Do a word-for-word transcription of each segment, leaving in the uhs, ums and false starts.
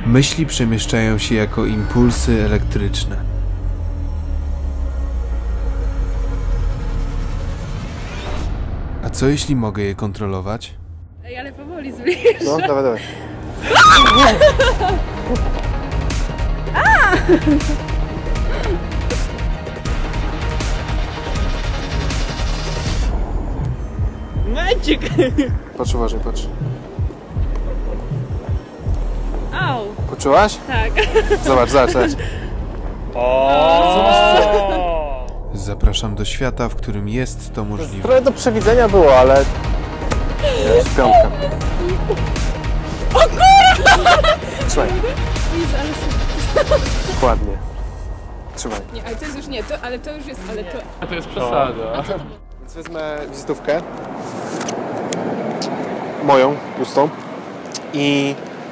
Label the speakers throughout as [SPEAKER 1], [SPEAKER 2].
[SPEAKER 1] Myśli przemieszczają się jako impulsy elektryczne. A co jeśli mogę je kontrolować?
[SPEAKER 2] Ej, ale powoli zbliż.
[SPEAKER 3] No, dawaj, dawaj.
[SPEAKER 2] Magic!
[SPEAKER 3] Patrz uważaj, patrz.
[SPEAKER 2] Au!
[SPEAKER 3] Poczułaś?
[SPEAKER 2] Tak.
[SPEAKER 3] Zobacz, zobacz, zobacz.
[SPEAKER 1] Zapraszam do świata, w którym jest to możliwe.
[SPEAKER 3] Trochę do przewidzenia było, ale... Wiesz, piątka.
[SPEAKER 2] O kurwa!
[SPEAKER 3] Trzymaj.
[SPEAKER 2] Jezu, ale...
[SPEAKER 3] Dokładnie. Trzymaj.
[SPEAKER 2] Nie, ale to jest już nie, to, ale to już jest, ale to...
[SPEAKER 4] To jest przesada.
[SPEAKER 3] Więc wezmę wizytówkę. Moją, pustą. I...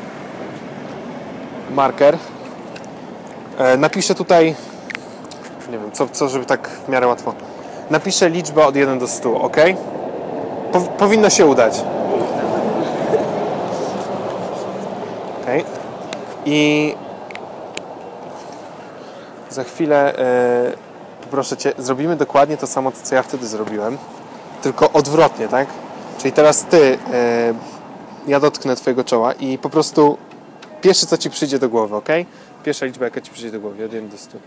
[SPEAKER 3] marker. E, napiszę tutaj... Nie wiem, co, co, żeby tak w miarę łatwo. Napiszę liczbę od jeden do stu, ok? Po, powinno się udać. Ok. I... Za chwilę, e, proszę Cię, zrobimy dokładnie to samo, co ja wtedy zrobiłem, tylko odwrotnie, tak? Czyli teraz Ty, e, ja dotknę Twojego czoła i po prostu pierwsze, co Ci przyjdzie do głowy, ok? Pierwsza liczba, jaka Ci przyjdzie do głowy, od jeden do stu.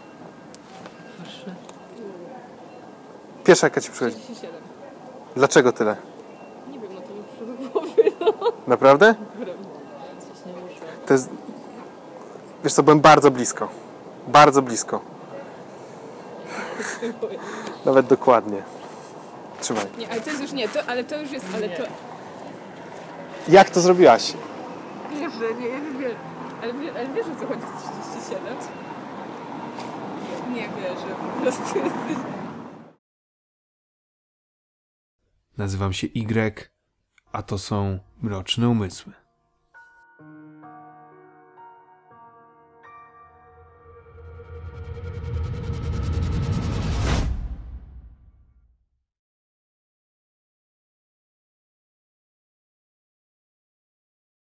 [SPEAKER 3] Pierwsza, jaka Ci przychodzi.
[SPEAKER 2] trzydzieści siedem.
[SPEAKER 3] Dlaczego tyle?
[SPEAKER 2] Nie wiem, no to mi przyszło do głowy, no.
[SPEAKER 3] Naprawdę?
[SPEAKER 2] Coś nie muszę.
[SPEAKER 3] To jest... Wiesz co, byłem bardzo blisko. Bardzo blisko. Nawet dokładnie. Trzymaj.
[SPEAKER 2] Nie, ale to jest już nie, to, ale to już jest, ale to...
[SPEAKER 3] Jak to zrobiłaś?
[SPEAKER 2] Wierzę, nie, ja wiem, ale, wie- ale wiesz, o co chodzi z trzydzieści siedem? Nie wierzę, po prostu jesteś...
[SPEAKER 1] Nazywam się Y, a to są Mroczne Umysły.